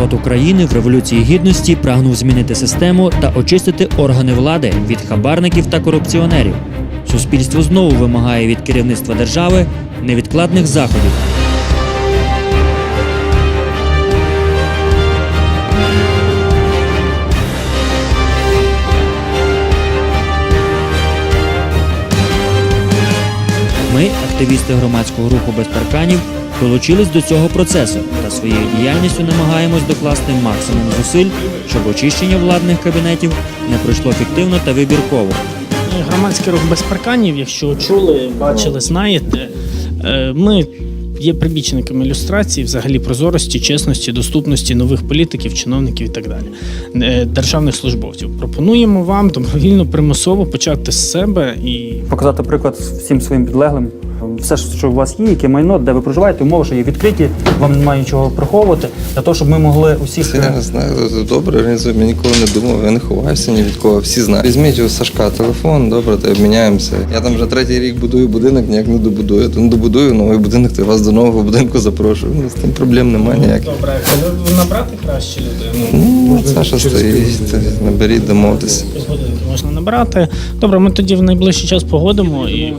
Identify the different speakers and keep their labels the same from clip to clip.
Speaker 1: народ України в Революції Гідності прагнув змінити систему та очистити органи влади від хабарників та корупціонерів. Суспільство знову вимагає від керівництва держави невідкладних заходів. Ми, активісти громадського руху «Без парканів», долучились до цього процесу та своєю діяльністю намагаємось докласти максимум зусиль, щоб очищення владних кабінетів не пройшло фіктивно та вибірково.
Speaker 2: Громадський рух «Без парканів», якщо чули, бачили, знаєте, ми є прибічниками ілюстрації, взагалі прозорості, чесності, доступності нових політиків, чиновників і так далі, державних службовців. Пропонуємо вам добровільно, примусово почати з себе і
Speaker 3: показати приклад всім своїм підлеглим. Все, що у вас є, яке майно, де ви проживаєте, умови, що є відкриті, вам немає нічого приховувати, для того, щоб ми могли усіх...
Speaker 4: Я не знаю, добре організуємо, я ніколи не думав, я не ховаюся ні від кого, всі знають. Візьміть у Сашка телефон, добре, то обміняємося. Я там вже 3-й рік будую будинок, ніяк не добудую. То не добудую новий будинок, то я вас до нового будинку запрошую. З тим проблем немає ніяких.
Speaker 2: добре, коли набрати краще людину?
Speaker 4: Ну, Саша стоїть, наберіть, домовтеся.
Speaker 2: Можна набрати. Добре, ми тоді в найближчий час погодимо і...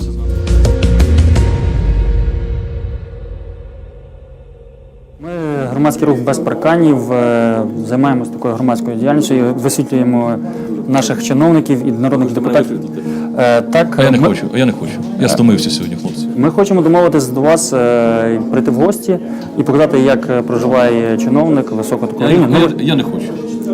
Speaker 3: Ми, громадський рух «Без парканів», займаємося такою громадською діяльністю і висвітлюємо наших чиновників і народних депутатів. Так,
Speaker 5: Я не хочу. Я стомився сьогодні, хлопці.
Speaker 3: Ми хочемо домовитись до вас, прийти в гості і показати, як проживає чиновник високого такого рівня.
Speaker 5: Я не хочу.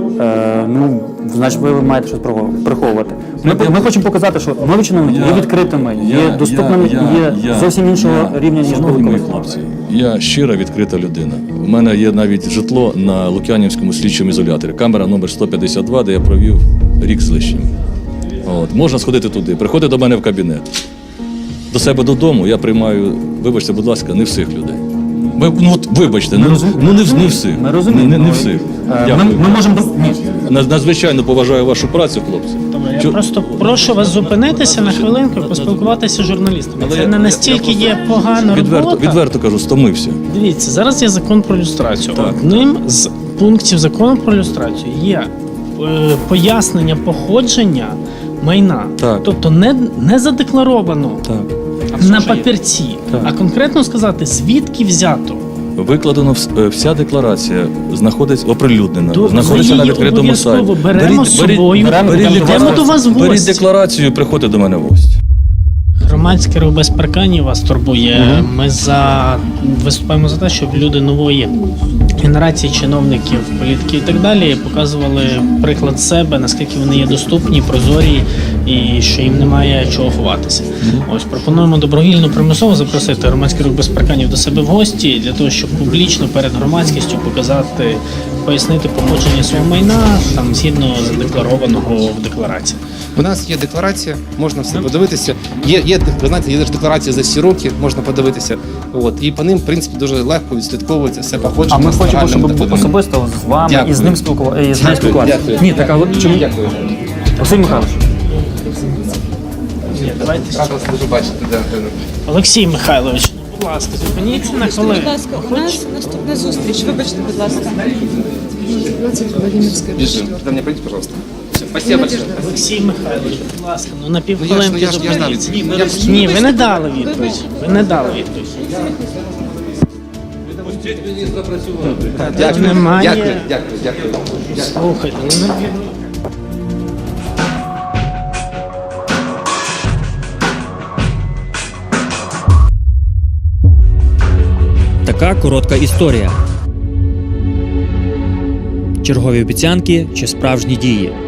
Speaker 3: Значить, ви маєте щось приховувати. Ми хочемо показати, що нові чиновники є відкритими, є доступними, є зовсім іншого рівня, ніж
Speaker 5: шановні мої
Speaker 3: були.
Speaker 5: хлопці, я щира, відкрита людина. У мене є навіть житло на Лук'янівському слідчому ізоляторі. Камера номер 152, де я провів рік з лишнім. Можна сходити туди, приходити до мене в кабінет. До себе додому я приймаю, вибачте, будь ласка, не всіх людей. Вибачте, не всіх.
Speaker 3: Ми розуміємо.
Speaker 5: Не всіх.
Speaker 3: Ми можемо...
Speaker 5: Надзвичайно поважаю вашу працю, хлопці.
Speaker 2: Добре, я просто прошу вас зупинитися на хвилинку і поспілкуватися з журналістами. Це не настільки є погана робота.
Speaker 5: Відверто кажу, стомився.
Speaker 2: Дивіться, зараз є закон про люстрацію.
Speaker 5: Так.
Speaker 2: Одним з пунктів закону про люстрацію є пояснення походження майна.
Speaker 5: Так.
Speaker 2: Тобто не задекларовано на папірці, а конкретно сказати, звідки взято.
Speaker 5: Викладено вся декларація, знаходиться оприлюднена,
Speaker 2: Ми
Speaker 5: знаходиться на
Speaker 2: її
Speaker 5: відкритому сайті.
Speaker 2: обов'язково беремо з собою, йдемо до вас в
Speaker 5: Беріть
Speaker 2: гості.
Speaker 5: декларацію і приходьте до мене в гості.
Speaker 2: Громадський рух «Без парканів» вас турбує. Ми виступаємо за те, щоб люди нової генерації чиновників, політиків і так далі показували приклад себе, наскільки вони є доступні, прозорі і що їм немає чого ховатися. Ось пропонуємо добровільно примусово запросити громадський рух «Без парканів» до себе в гості для того, щоб публічно перед громадськістю показати, пояснити походження свого майна там згідно задекларованого в декларації.
Speaker 6: У нас є декларація, можна все подивитися. Ви знаєте, є декларація за всі роки, можна подивитися. І по ним, в принципі, дуже легко відслідковується все походження.
Speaker 3: А ми хочемо, щоб
Speaker 6: загальними доходами.
Speaker 3: особисто з вами
Speaker 6: Дякую.
Speaker 3: і з ним спілкуватися.
Speaker 6: Дякую.
Speaker 3: Ні, так, а чому?
Speaker 6: Дякую.
Speaker 3: Василь Михайлович.
Speaker 2: Давайте.
Speaker 6: Рад вас дуже бачити.
Speaker 2: Олексій Михайлович, будь ласка, зупиніться на хвилину.
Speaker 7: Будь ласка, у нас наступна зустріч. Вибачте, будь ласка.
Speaker 6: Біжим. До мене прийдіть, пожалуйста. Спасибо большое.
Speaker 2: Олексій Михайлович, будь ласка, на
Speaker 6: Я
Speaker 2: півхвилинки
Speaker 6: ж дав
Speaker 2: зупиніться.
Speaker 6: відповідь.
Speaker 2: Ні, ви не дали відповідь. Ви не дали відповідь.
Speaker 6: Дякую.
Speaker 2: Немає.
Speaker 6: Дякую.
Speaker 2: Слухайте, ну не...
Speaker 1: Така коротка історія. Чергові обіцянки чи справжні дії.